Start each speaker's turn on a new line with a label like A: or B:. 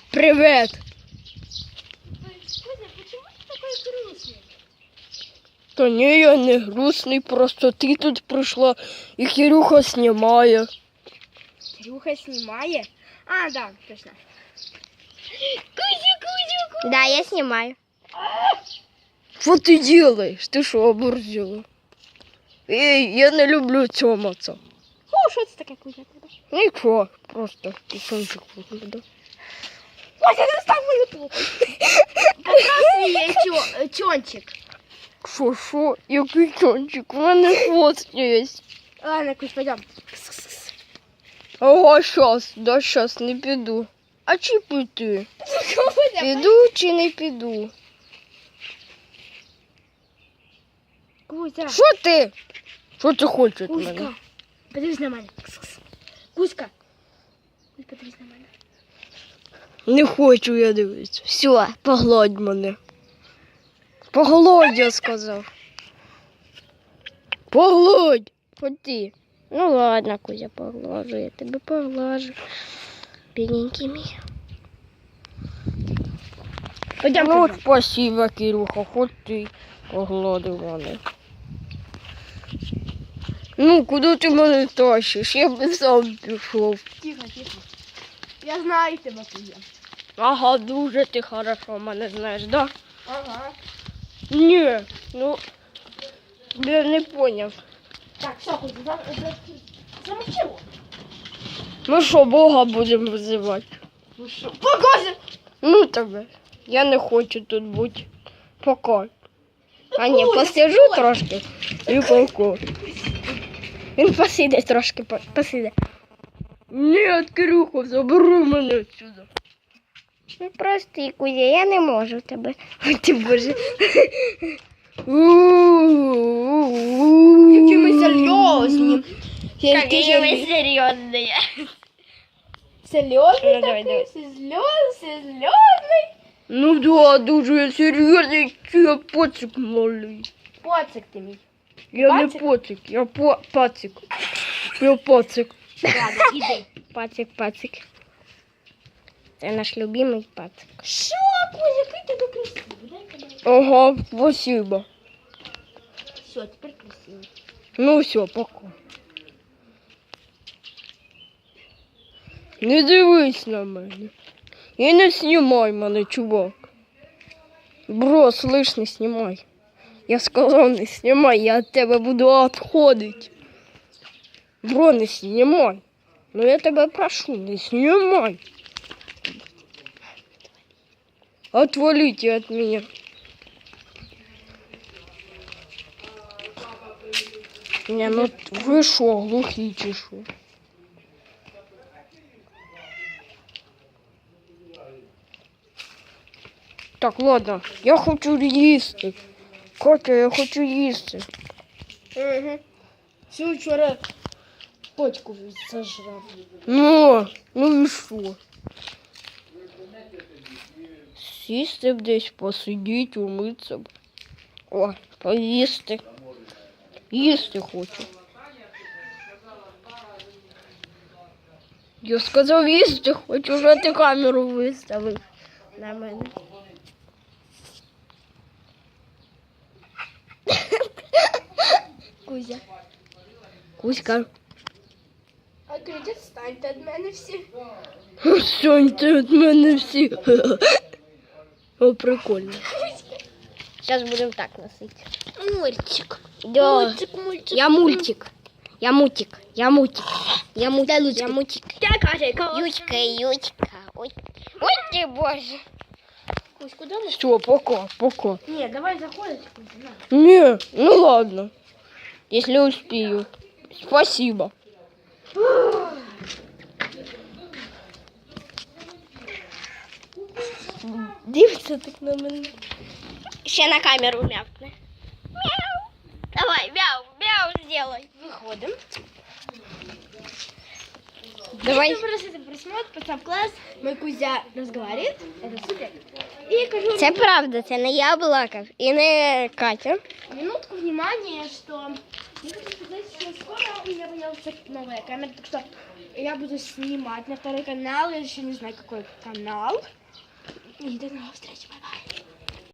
A: Привет.
B: Кузя, почему ты такой грустный?
A: Та ні, я не грустний, просто ти тут прийшла і Кирюха знімає.
B: Кирюха снимает? А, да, точно. Кузя.
C: Да, я снимаю.
A: Що ти делаєш? Ти що, оборзіла? Ей, я не люблю цьоматься.
B: О, что это такое, Кузя?
A: Нічого, просто пісончик виглядав.
B: Кузя, достань мою тупу. Показывай чончик.
A: Що? Який чончик? У мене хвост є.
B: Ладно, Кузь, пойдем.
A: Ого, щас, не піду. А чи піти? Піду чи не піду?
B: Кузя.
A: Що ти? Що ти хочеш від мене?
B: Кузька, подивись на мене. Кузька. Подивись на мене.
A: Не хочу я дивитися. Все, погладь мене. Погладь, я сказав. Погладь. Ходи.
C: Ну ладно, Кузя, поглажу, я тебе поглажу. Бедненький мій.
B: Пойдем.
A: Ну, от спасибо, Кирюха, хоч ти погладив мене. Ну, куди ти мене тащиш? Я б сам пішов.
B: Тихо. Я знаю тебя, Кузя.
A: Ага, дуже ти хорошо мене знаєш, да?
B: Ага.
A: Ні, ну, я не поняв.
B: Так, все, Кузя, замолчи.
A: Ми що, Бога будемо визивати?
B: Ну что? Кузя!
A: Ну тебе. Я не хочу тут бути. Пока. А ні,
B: Кузя,
A: посиджу
B: стой!
A: трошки і пока. Він посиде трошки, посиде. Ні, Кирюха, забери мене відсюди.
C: Ну прости, Кузя, я не можу тебе. Ой, ти боже.
B: Які ми серйозні.
C: Какие вы серьезные.
B: Серйозний
A: Ну, давай,
B: такий? Серйозний?
A: Ну да, дуже серйозний, я поцик малий.
B: Поцик ти мій.
A: Я
B: Пацик?
A: не поцик, я пацик. Я пацик.
B: Ладно, іди.
C: Пацик. Це наш любимий пацик.
B: Що, Кузя, який тебе красивий? Дай-ка дай.
A: Ага, спасибо.
B: Все, тепер красивий.
A: Ну все, пока. Не дивись на мене. І не знімай мене, чувак. Бро, слышь, не знімай. Я сказав, не знімай, я від тебе буду відходити. Бро, не знімай. Ну я тебе прошу, не знімай. Отвалите от меня. Не, ну ви що, глухі чи що? Так, ладно, я хочу їсти. Катя, я хочу їсти.
B: Угу. Всю вчора почку зажрав.
A: Ну і що? Сісти б десь, посидіти, умитися б. О, поїсти. Їсти хочу. Я сказав їсти хочу, вже ти камеру виставив на мене.
B: Кузя.
A: Кузька.
B: А Кузя, станьте від мене всі.
A: Соньте від мене всі. О, прикольно.
C: Сейчас будем так носить.
B: Мультик.
C: Да.
B: Мультик.
C: Я мультик. Я мультик. Я мультик. Я мультик. Я мультик. Ючка, Ючка. Ой, ой ты боже.
B: Кузь, куда мы?
A: Все, пока.
B: Не, давай заходить, Кузя, на.
A: Не, ну ладно. Если успею. Спасибо. Дивиться так на мене.
C: Ще на камеру мявкни. Мяу. Давай, мяу сделай.
B: Выходим.
C: Давай.
B: Если просто просмотр, поставь класс, мой Кузя разговаривает, это супер. И я кажу,
C: Це правда, це не я балакав і не Катя.
B: минутку внимания, что Я хочу сказать, что скоро у меня появится новая камера, так что я буду снимать на второй канал. Я еще не знаю, какой канал. И до новых встреч. Бай-бай.